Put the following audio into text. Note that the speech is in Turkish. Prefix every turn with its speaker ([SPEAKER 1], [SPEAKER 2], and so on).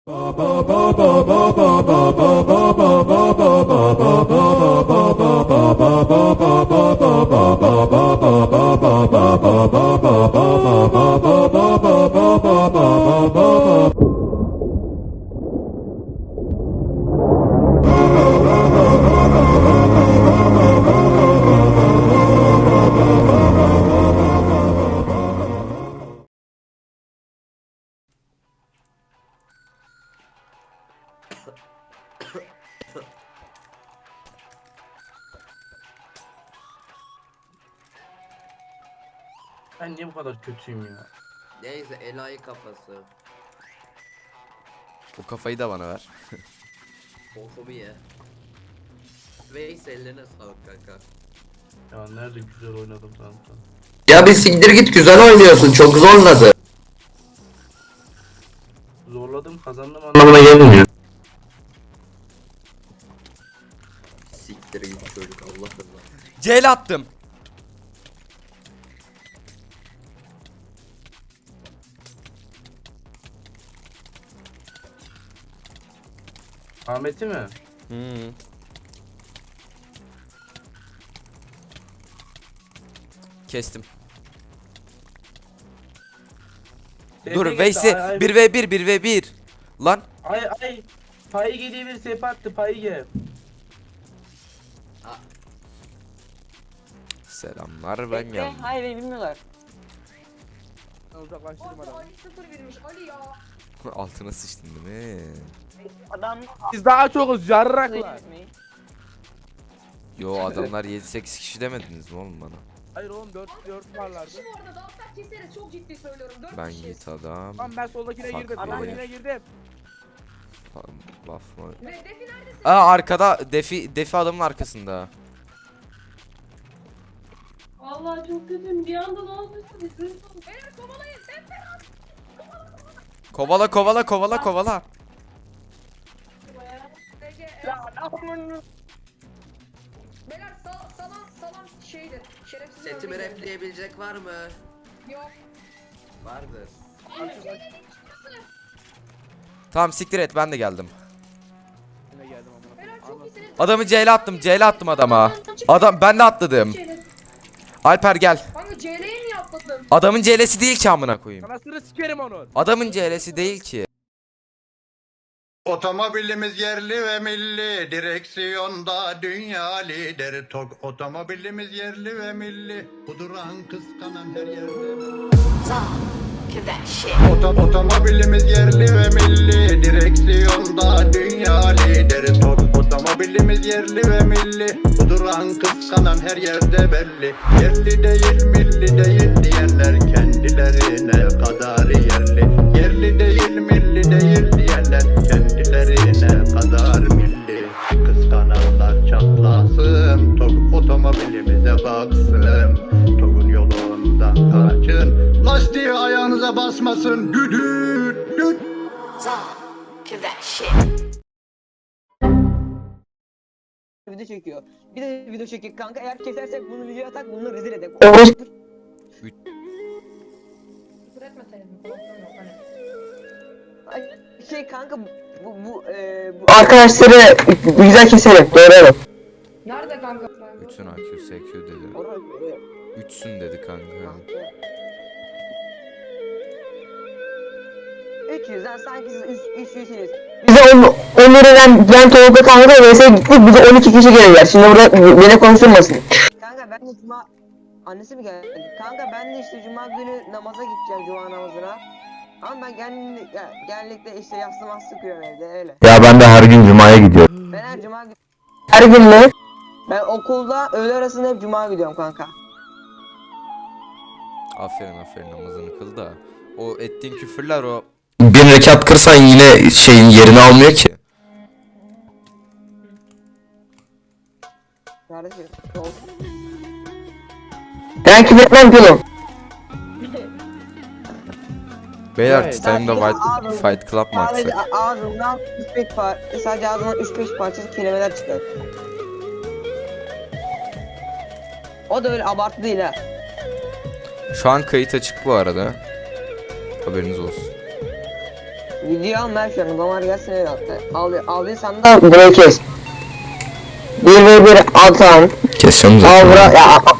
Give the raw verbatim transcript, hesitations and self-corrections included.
[SPEAKER 1] Ben niye bu kadar kötüyüm ya?
[SPEAKER 2] Neyse enayi kafası.
[SPEAKER 3] O kafayı da bana ver.
[SPEAKER 2] Bokumu ye. Veys ellerine sağlık kanka.
[SPEAKER 1] Ya nerede güzel oynadım zaten.
[SPEAKER 4] Ya bir siktir git, güzel oynuyorsun, çok zorladı.
[SPEAKER 1] Zorladım kazandım anlamına gelmiyor.
[SPEAKER 2] Siktir git çocuk Allah Allah.
[SPEAKER 3] Ceyl attım.
[SPEAKER 1] Ahmet'i mi?
[SPEAKER 3] Hmm. Kestim. Dur
[SPEAKER 1] Tepe
[SPEAKER 3] Veysi
[SPEAKER 1] gitti, ay, ay.
[SPEAKER 3] bir ve bir bir ve bir. Lan
[SPEAKER 1] Ay ay. Payı diye bir sepe attı payı.
[SPEAKER 3] selamlar ben
[SPEAKER 5] Bekle,
[SPEAKER 3] geldim.
[SPEAKER 5] hayır beni bilmiyorlar.
[SPEAKER 6] Uzaklaştırma adamı.
[SPEAKER 7] Ali sıfır vermiş Ali ya.
[SPEAKER 3] Altına sıçtın değil mi?
[SPEAKER 5] Adam
[SPEAKER 6] Biz daha çokuz yarraklar.
[SPEAKER 3] Yo adamlar yedi sekiz kişi demediniz mi oğlum bana?
[SPEAKER 6] Hayır oğlum dört dört varlardı.
[SPEAKER 7] Kişi bu arada dağıtlar keseriz çok ciddi söylüyorum. dört
[SPEAKER 3] Ben
[SPEAKER 7] kişiyiz.
[SPEAKER 3] git adam.
[SPEAKER 6] Tamam ben soldakine
[SPEAKER 3] Fuck
[SPEAKER 6] girdim.
[SPEAKER 3] beni.
[SPEAKER 6] Soldakine girdim.
[SPEAKER 3] Fa- Laf mı?
[SPEAKER 7] Ve Defi neredesin?
[SPEAKER 3] Aa arkada defi defi adamın arkasında.
[SPEAKER 8] Vallahi çok kötüyüm. Bir anda ne olduysa bir sürü oldu.
[SPEAKER 7] Beyler kovalayın. Defi.
[SPEAKER 3] Kovala kovala kovala kovala.
[SPEAKER 7] Ece, e,
[SPEAKER 5] Ya adamın
[SPEAKER 7] Beyler sal, salan salan şeydir. Şerefsiz
[SPEAKER 2] Setimi
[SPEAKER 7] örneği.
[SPEAKER 2] replayabilecek var mı?
[SPEAKER 7] Yok.
[SPEAKER 2] Vardır.
[SPEAKER 3] Tamam siktir et ben de geldim.
[SPEAKER 6] Yine geldim amına.
[SPEAKER 7] Beyler çok iyisiniz.
[SPEAKER 3] Adamı C'yle attım C'yle attım adama. Adam ben de atladım.
[SPEAKER 7] Şeyler.
[SPEAKER 3] Alper gel.
[SPEAKER 7] Kanka C L'ye niye atladın?
[SPEAKER 3] Adamın C L'si değil ki amına koyayım.
[SPEAKER 6] Anasını sikerim onu.
[SPEAKER 3] Adamın C L'si değil ki.
[SPEAKER 9] Otomobilimiz yerli ve milli, direksiyonda dünya lideri. Tok otomobilimiz yerli ve milli, kuduran kıskanan her yerde. Oto otomobilimiz yerli ve milli, direksiyonda dünya lideri. Tok otomobilimiz yerli ve milli, kuduran kıskanan her yerde belli. Yerli değil milli değil diyenler kendilerine kadar yerli. Yerli değil milli değil diyenler kendilerine kadar milli. Kıskananlar çatlasın, Tok otomobilimize baksın. Tok'un yolundan kaçın, lastiği ayağınıza basmasın. Düdüt düt.
[SPEAKER 5] video çekiyor. Bir de video çekiyor kanka. Eğer kesersek bunu videoya atak, bunu rezil edek.
[SPEAKER 7] Küfür etmeseydin. Kulaklarım yok hani.
[SPEAKER 5] Ay, şey kanka bu bu e, bu arkadaşları güzel keselim. Doğru.
[SPEAKER 7] Nerede kanka?
[SPEAKER 3] Bütün A Q S Q dedi.
[SPEAKER 5] Orada
[SPEAKER 3] Üçsün dedi kanka.
[SPEAKER 5] üç yüzden sanki siz üç üç yüzsünüz. Bize on on liradan ben Tolga kanka vs gittik, bize on iki kişi geldiler. Şimdi burada beni konuşturmasın. Kanka ben de cuma annesi mi geldi? Kanka ben de işte cuma günü namaza gideceğim, cuma namazına. Ama ben genellikle, ya, genellikle işte yaslı maslı kırıyorum evde öyle.
[SPEAKER 4] Ya ben de her gün cumaya gidiyorum.
[SPEAKER 5] Ben her cuma gün her gün mü? Ben okulda öğle arasında hep cuma gidiyorum kanka.
[SPEAKER 3] Aferin aferin namazını kıl da. O ettiğin küfürler o.
[SPEAKER 4] Bir rekat kırsan yine şeyin yerini almıyor ki.
[SPEAKER 5] Kardeşim. Olsun. Ben kim etmem gülüm.
[SPEAKER 3] Beyler
[SPEAKER 6] Evet.
[SPEAKER 3] Time'da White
[SPEAKER 5] Abi,
[SPEAKER 3] Fight Club mı
[SPEAKER 5] Sadece
[SPEAKER 3] atsak?
[SPEAKER 5] ağzımdan üç beş par sadece ağzımdan üç beş parçası kelimeler çıkar. O da öyle abartı değil ha.
[SPEAKER 3] Şu an kayıt açık bu arada. Haberiniz olsun.
[SPEAKER 5] Video al ver şunu. Damar gelsin öyle hatta. Al, aldıysan da burayı kes. bir ve bir atan.
[SPEAKER 4] Kesiyorum zaten.
[SPEAKER 5] Avra ya